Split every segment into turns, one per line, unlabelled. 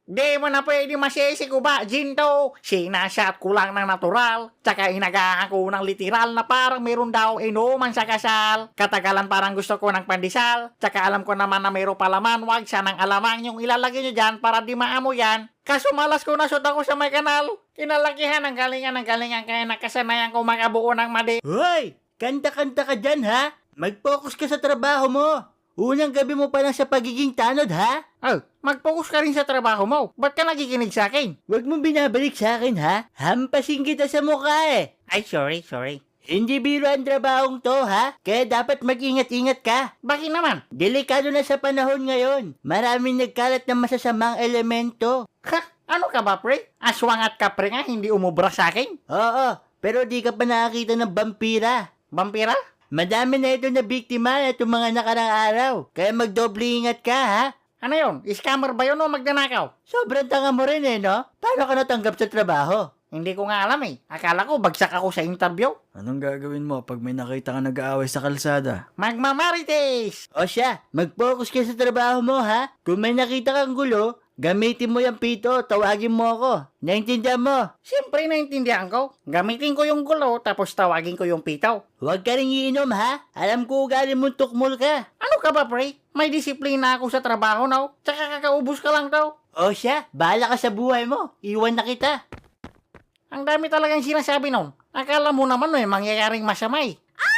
Di mo na pwede masisi ko ba, Ginto? Sinashot ko lang ng natural, tsaka inagahan ko ng literal na parang meron daw inuman sa kasal. Katagalan parang gusto ko ng pandesal, tsaka alam ko naman na meron palaman, wag sanang alamang yung ilalagay nyo dyan para di maamo yan. Kaso malas ko na shoot ako sa may kanal. Kinalakihan ng galingan kaya nakasanayan ko makabuo ng madi.
Hoy! Kanta-kanta ka dyan, ha? Mag-focus ka sa trabaho mo. Unang gabi mo pa lang sa pagiging tanod, ha?
Oh, mag-focus ka rin sa trabaho mo. Ba't ka nagikinig sa akin?
Huwag mo binabalik sa akin, ha? Hampasin kita sa mukha, eh.
Ay, sorry.
Hindi biro ang trabahong to, ha? Kaya dapat mag-ingat-ingat ka.
Bakit naman?
Delikado na sa panahon ngayon. Maraming nagkalat ng masasamang elemento.
Ha? Ano ka ba, pre? Aswang at kapre nga, hindi umubra sa akin.
Oo, pero di ka pa nakakita ng vampira.
Vampira?
Madami na ito na biktima na itong mga nakarang araw. Kaya magdoble ingat ka, ha?
Ano yun? Scammer ba yun o magnanakaw?
Sobrang tanga mo rin, no? Paano ka natanggap sa trabaho?
Hindi ko nga alam eh. Akala ko bagsak ako sa interview.
Anong gagawin mo pag may nakita ka nag-aaway sa kalsada?
Magmamarites!
O siya, mag-focus ka sa trabaho mo, ha? Kung may nakita kang gulo, gamitin mo yung pito, tawagin mo ako. Naintindihan mo?
Siyempre naintindihan ko. Gamitin ko yung gulo tapos tawagin ko yung pitaw.
Huwag ka rin iinom, ha? Alam ko ugali mong tukmol ka.
Ano ka ba, pre? May disiplina ako sa trabaho, no? Tsaka kakaubos ka lang daw.
O siya, bahala ka sa buhay mo. Iwan na kita.
Ang dami talagang sinasabi nun. Akala mo naman may mangyayaring masamay.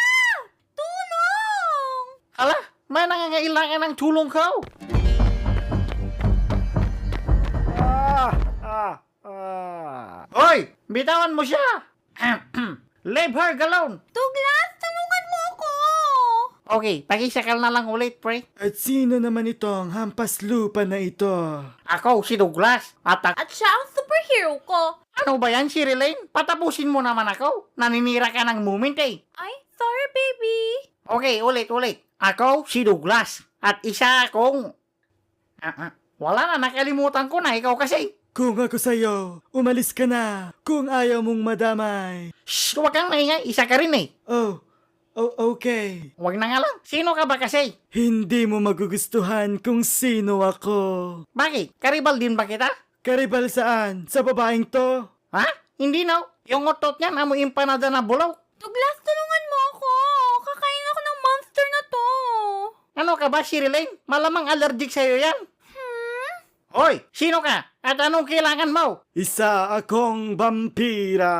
Tulong!
Hala, may nangangailangan ng tulong ko. Hoy, bitawan mo siya. Leave her alone.
Douglas, tulungan mo ako!
Okay, pakisakal na lang ulit, pre.
At sino naman itong hampas lupa na ito?
Ako, si Douglas. At
At siya ang superhero ko.
ano ba yan, si Relaine? Patapusin mo naman ako. Naninira ka ng moment eh.
Ay, sorry baby.
Okay, ulit. Ako, si Douglas. At isa akong... wala na, nakalimutan ko na. Ikaw kasi.
Kung ako sa'yo, umalis ka na kung ayaw mong madamay.
Shh, huwag kang maingay. Isa ka rin eh.
Oh, okay.
Huwag na nga lang. Sino ka ba kasi?
Hindi mo magugustuhan kung sino ako.
Bakit? Karibal din ba kita?
Karibal saan? Sa babaeng to?
Ha? Hindi na. Yung otot niya, amoy empanada na bulaw.
Douglas, tulungan mo ako. Kakain ako ng monster na to.
Ano ka ba, si Relaine? Malamang allergic sa'yo yan. Hoy, sino ka? At anong kailangan mo?
Isa akong vampira.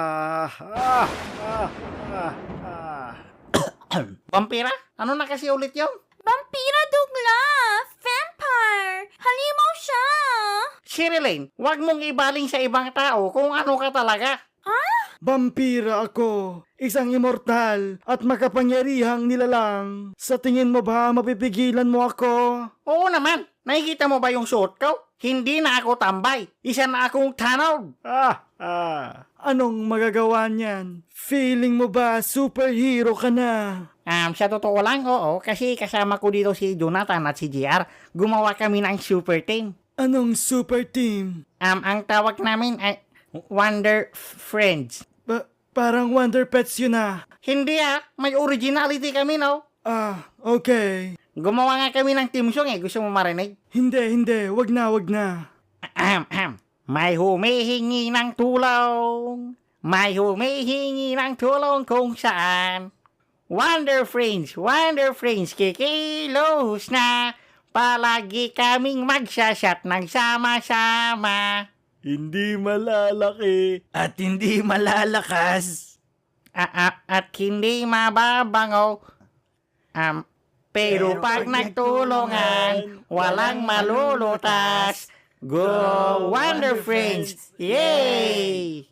Vampira? Ano na kasi ulit yun?
Vampira, Douglas! Vampire! Halimaw siya!
Si Relaine, huwag mong ibaling sa ibang tao kung ano ka talaga.
Vampira ako, isang immortal at makapangyarihang nilalang. Sa tingin mo ba mapipigilan mo ako?
Oo naman. Nakikita mo ba yung suot ko? Hindi na ako tambay. Isa na akong tanod.
Anong magagawa niyan? Feeling mo ba superhero ka na?
Sa totoo lang, oo. Kasi kasama ko dito si Jonathan at si JR. Gumawa kami ng super team.
Anong super team?
Ang tawag namin ay Wonder Friends.
Parang Wonder Pets yun ah.
Hindi may originality kami, no?
Okay.
Gumawa nga kami ng team song eh. Gusto mo marinig?
Hindi. Wag na.
May humihingi ng tulong. May humihingi ng tulong kung saan. Wonder Friends, kikilos na. Palagi kaming magsashot ng sama-sama.
Hindi malalaki at hindi malalakas.
At hindi mababango. Pero pag nagtulungan, walang malulutas. Go Wonder Friends! Yay!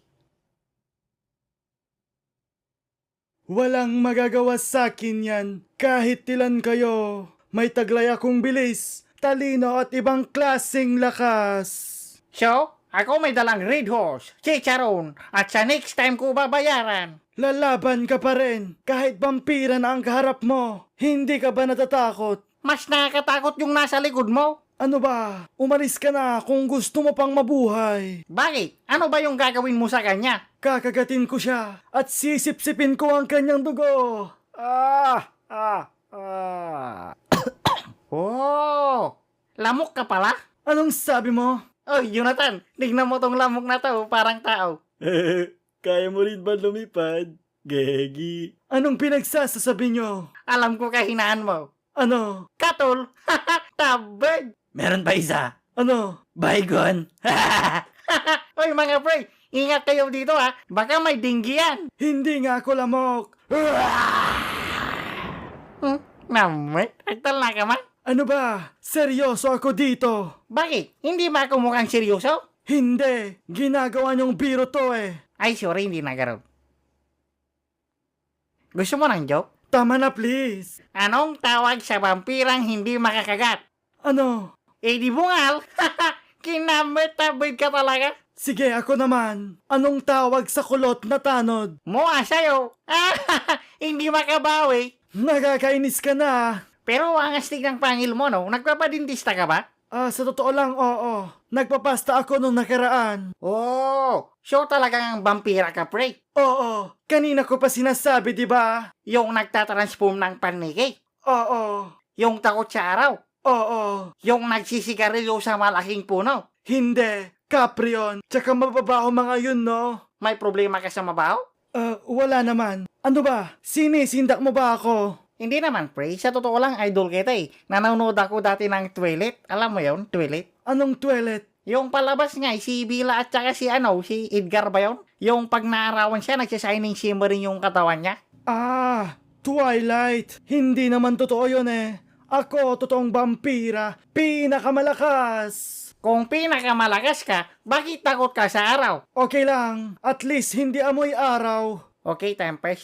Walang magagawa sa akin yan. Kahit ilan kayo, may taglay akong bilis, talino at ibang klaseng lakas.
So, ako may dalang red horse, chicharon, at sa next time ko babayaran.
Lalaban ka pa rin, kahit vampira na ang kaharap mo. Hindi ka ba natatakot?
Mas nakakatakot yung nasa likod mo.
Ano ba? Umalis ka na kung gusto mo pang mabuhay.
Bakit? Ano ba yung gagawin mo sa kanya?
Kakagatin ko siya at sisipsipin ko ang kanyang dugo.
Oh, lamok ka pala?
Anong sabi mo?
Oy, Jonathan, tignan mo tong lamok na to, parang tao.
Kaya mo rin ba lumipad? Gegi. Anong pinagsasasabi nyo?
Alam ko kahinaan mo.
Ano?
Katol, tabad.
Meron pa isa.
Ano?
Baygon.
Oy mga pre, ingat kayo dito ha, baka may dinggi yan.
Hindi nga ako lamok.
Namit, aktal na ka man.
Ano ba? Seryoso ako dito.
Bakit? Hindi ba ako mukhang seryoso?
Hindi. Ginagawa niyong biro to eh.
Ay, sorry, hindi nagaro. Gusto mo ng joke?
Tama na please.
Anong tawag sa vampirang hindi makakagat?
Ano?
Eh di bungal. Kinamit, tabid ka talaga.
Sige ako naman. Anong tawag sa kulot na tanod?
Mua sa'yo. Hindi makabawi.
Nakakainis ka na.
Pero ang astig ng pangil mo, no? Nagpapadintista ka ba?
Sa totoo lang, oo. Nagpapasta ako nung nakaraan.
Oh, so talagang vampira ka, pre.
Oo. Kanina ko pa sinasabi, di ba?
Yung nagtatransform ng paniki.
Oo.
Yung takot sa araw.
Oo.
Yung nagsisigarilyo sa malaking puno.
Hindi. Caprion. Tsaka mababaho mga yun, no?
May problema ka sa mabaho?
Wala naman. Ano ba? Sinisindak mo ba ako?
Hindi naman, pre. Sa totoo lang, idol kita eh. Nanonood ako dati ng Twilight. Alam mo yon, Twilight?
Anong toilet?
Yung palabas nga, si Bella at saka si Edgar ba yun? Yung pag naarawan siya, nagsashining shimmering yung katawan niya.
Twilight. Hindi naman totoo yun eh. Ako, totoong vampira. Pinakamalakas.
Kung pinakamalakas ka, bakit takot ka sa araw?
Okay lang. At least hindi amoy araw.
Okay, time pass.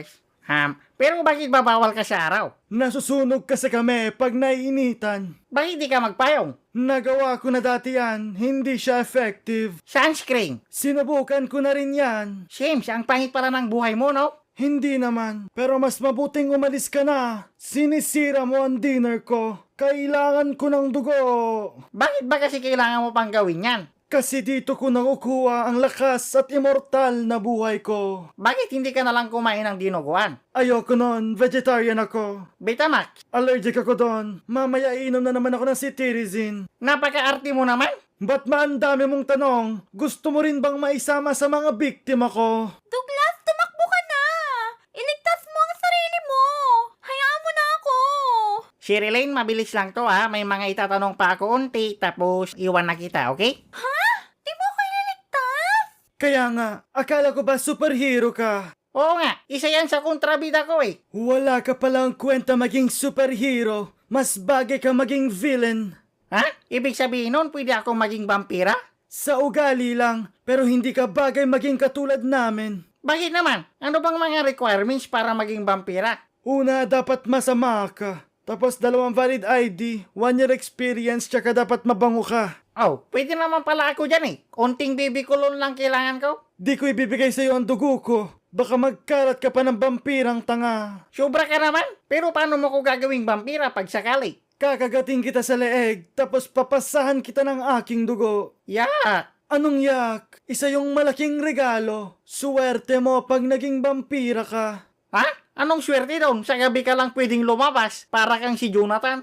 Pero bakit babawal ka sa araw?
Nasusunog kasi kami pag naiinitan.
Bakit di ka magpayong?
Nagawa ko na dati yan. Hindi siya effective.
Sunscreen.
Sinubukan ko na rin yan.
James, ang pangit pala ng buhay mo, no?
Hindi naman. Pero mas mabuting umalis ka na. Sinisira mo ang dinner ko. Kailangan ko ng dugo.
Bakit ba kasi kailangan mo pang gawin yan?
Kasi dito ko nakukuha ang lakas at immortal na buhay ko.
Bakit hindi ka nalang kumain ng dinuguan?
Ayoko nun. Vegetarian ako.
Betamax,
Allergic ako doon. Mamaya iinom na naman ako ng cetirizine.
napaka-arte mo naman.
Ba't ang dami mong tanong? Gusto mo rin bang maisama sa mga biktima ko?
Douglas, tumakbo ka na! Iligtas mo ang sarili mo! Hayaan mo na ako!
Sherilyn, mabilis lang to ha. May mga itatanong pa ako unti, tapos iwan na kita, okay?
Di mo ako ililigtas?
Kaya nga, akala ko ba superhero ka?
Oo nga, isa yan sa kontrabida ko eh.
Wala ka palang kwenta maging superhero. Mas bagay ka maging villain.
Ha? Ibig sabihin nun, pwede ako maging vampira?
Sa ugali lang, pero hindi ka bagay maging katulad namin.
Bakit naman? Ano bang mga requirements para maging vampira?
Una, dapat masama ka. Tapos 2 valid ID, 1 year experience, tsaka dapat mabango ka.
Oh, pwede naman pala ako dyan eh. Konting baby kulon lang kailangan ko.
Di ko ibibigay sa'yo ang dugo ko. Baka magkalat ka pa ng vampirang tanga.
Sobra ka naman. Pero paano mo ko gagawing vampira pag sakali?
Kakagating kita sa leeg, tapos papasahan kita ng aking dugo.
Yak!
Anong yak? Isa yung malaking regalo. Suwerte mo pag naging vampira ka.
Ha? Anong swerte doon? Sa gabi ka lang pwedeng lumabas para kang si Jonathan.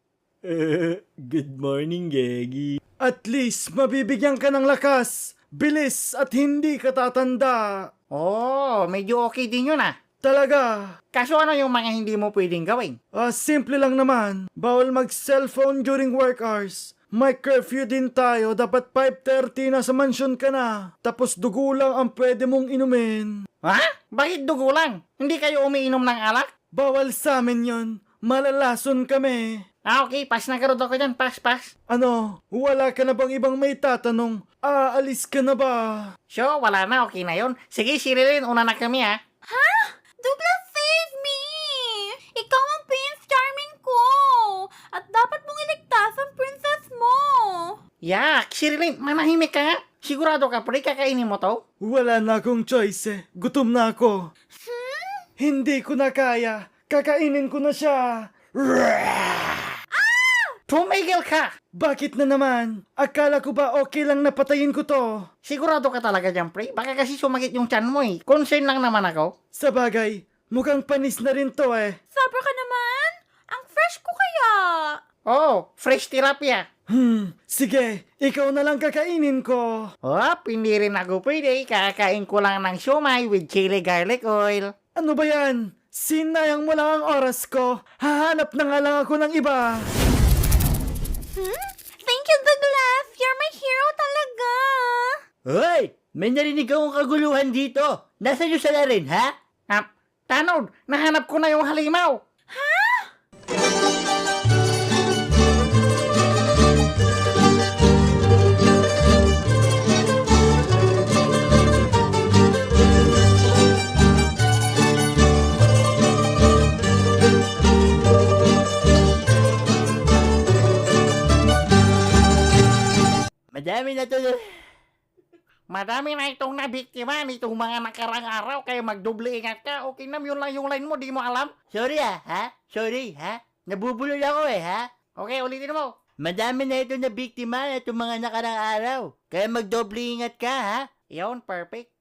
Good morning, Gegi. At least, mabibigyan ka ng lakas, bilis at hindi ka tatanda.
Oh, medyo okay din yun ah.
Talaga.
Kaso ano yung mga hindi mo pwedeng gawin?
Simple lang naman. Bawal mag-cellphone during work hours. May curfew din tayo. Dapat 5:30 na sa mansyon ka na. Tapos dugo lang ang pwede mong inumin.
Ha? Bakit dugo lang? Hindi kayo umiinom ng alak?
Bawal sa amin yon. Malalason kami.
Okay, pass na karod ako dyan. Pass.
Ano? Wala ka na bang ibang may tatanong? Aalis ka na ba?
So, wala na. Okay na yun. Sige, Sherilyn, una na kami ha.
Douglas, save me! Ikaw ang Prince Charming ko! At dapat mong iligtas ang princess mo!
Yak, Sherilyn, manahimik ka nga. Sigurado ka, pre, kakainin mo to?
Wala na akong choice eh. Gutom na ako. Hindi ko na kaya. Kakainin ko na siya.
Tumigil ka!
Bakit na naman? Akala ko ba okay lang napatayin ko to?
Sigurado ka talaga dyan, pre? Baka kasi sumagit yung tiyan mo eh. Concern lang naman ako.
Sa bagay, mukhang panis na rin to eh.
Sobra ka naman! Ang fresh ko kaya!
Oh, fresh terapia.
Sige, ikaw na lang kakainin ko.
Hindi rin ako pwede. Kakain ko lang ng siomay with chili garlic oil.
Ano ba yan? Sinayang mo lang ang oras ko. Hahanap na nga lang ako ng iba.
Thank you, Douglas. You're my hero talaga.
Hoy! May narinig akong kaguluhan dito. Nasaan yung sala rin, ha?
Tanod, nahanap ko na yung halimaw.
Madami na to.
Madami na itong nabiktima nitong mga nakarang araw, kaya magdoble ingat ka. Okay na, yun lang yung line mo, di mo alam.
Sorry ha? Sorry ha? Nabubulol ako ha?
Okay, ulitin mo.
Madami na ito na biktima na itong mga nakarang araw. Kaya magdoble ingat ka ha?
Yun, perfect.